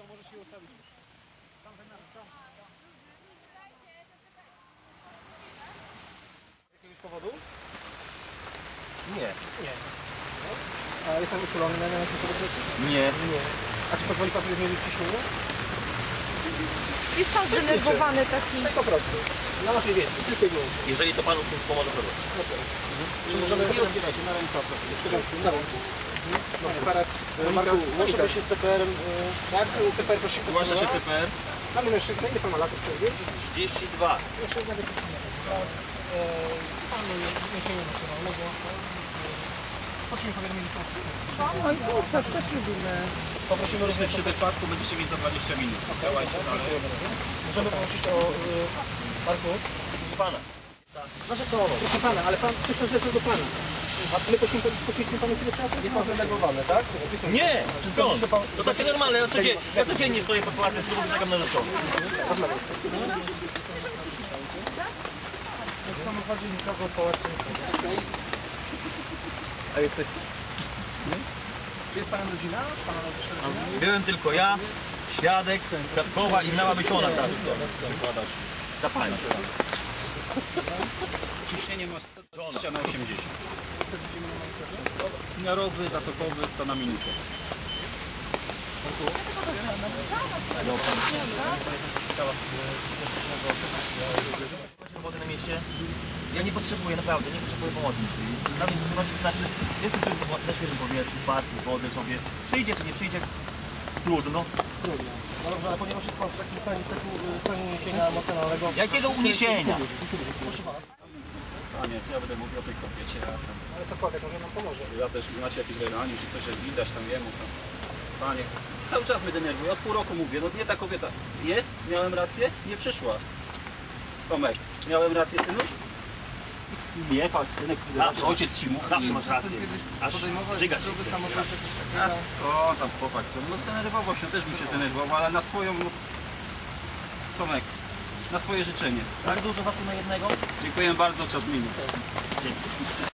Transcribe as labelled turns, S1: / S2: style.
S1: możesz się ustawić. Z jakiegoś powodu?
S2: Nie.
S1: Nie. A jest pan uczulony na jakimś produkcie?
S2: Nie.
S1: Nie. A czy pozwoli pan sobie zmierzyć ciśnienie?
S3: Jest pan zdenerwowany taki.
S1: Tak po prostu. Na naszej wiedzy, tylko i wyłącznie.
S2: Jeżeli to panu czymś pomoże, to zrobić.
S1: Czy możemy...
S2: Nie rozbierajcie, na rękę.
S1: W porządku, na ręce. No, Marek, łączy się z CPR-em, tak? CPR prosi
S2: Zgłasza się CPR.
S1: Mamy mężczyznę, ile pan ma lat już powiedzieć?
S2: 32.
S1: Mężczyzna detektywistyka. Stanu niesienia emocjonalnego. Prosimy powiadomienie z konstytucji.
S3: Oj, kurczę, też lubimy.
S1: Poprosimy również
S2: Przy wypadku będziecie mieć za 20 minut. Działajcie dalej.
S1: Możemy prosić o... Marku?
S2: Proszę pana.
S1: Proszę co? Proszę pana, ale pan ktoś nas wezwał do pana. A my poświęcimy panu chwilę czasu? Jest pan zdenerwowany, tak?
S2: Nie! Skąd? To takie normalne. Ja codziennie stoję pod pałacem ślubu i czekam na rzeczony.
S1: Rozmawiam.
S4: W samochodzie nikogo w pałacu nie.
S1: A jesteście? Nie? Czy jest pana rodzina? Pana rodzina?
S2: Byłem tylko ja, świadek, Kwiatkowa i miała być ona tam. Przykładasz. Ta pani.
S4: Ciśnienie ma 120 na 80.
S1: Co widzimy na monitorze?
S4: Miarowy, zatokowy, 100 na minutę.
S2: Wody na mieście. Ja nie potrzebuję, naprawdę, nie potrzebuję pomocy niczej. Dla mnie zupełności wystarczy, jestem tu na świeżym powietrzu, w parku, chodzę sobie. Przyjdzie czy nie przyjdzie, trudno.
S1: Trudno. No dobrze, ale ponieważ jest pan w takim stanie uniesienia emocjonalnego...
S2: Jakiego uniesienia?
S1: Proszę pana.
S4: Panie, co ja będę mówił o tej kobiecie, a tam,
S1: Ale cokolwiek, może nam pomoże.
S4: ja też macie jakieś relanie, czy coś, że widać tam jemu tam. Panie, cały czas mnie denerwuje, od pół roku mówię, no nie ta kobieta. Jest, miałem rację, nie przyszła. Tomek, miałem rację, synuś? Nie, pan synek,
S2: Zawsze.
S4: ojciec ci mówi.
S2: Zawsze masz rację. Aż żygać się chce.
S4: A skąd tam chłopak sobie? No zdenerwował się, też bym się zdenerwował, ale na swoją... No, Tomek, na swoje życzenie.
S2: Tak dużo was tu na jednego?
S4: Dziękuję bardzo, czas minut.
S2: Dzięki.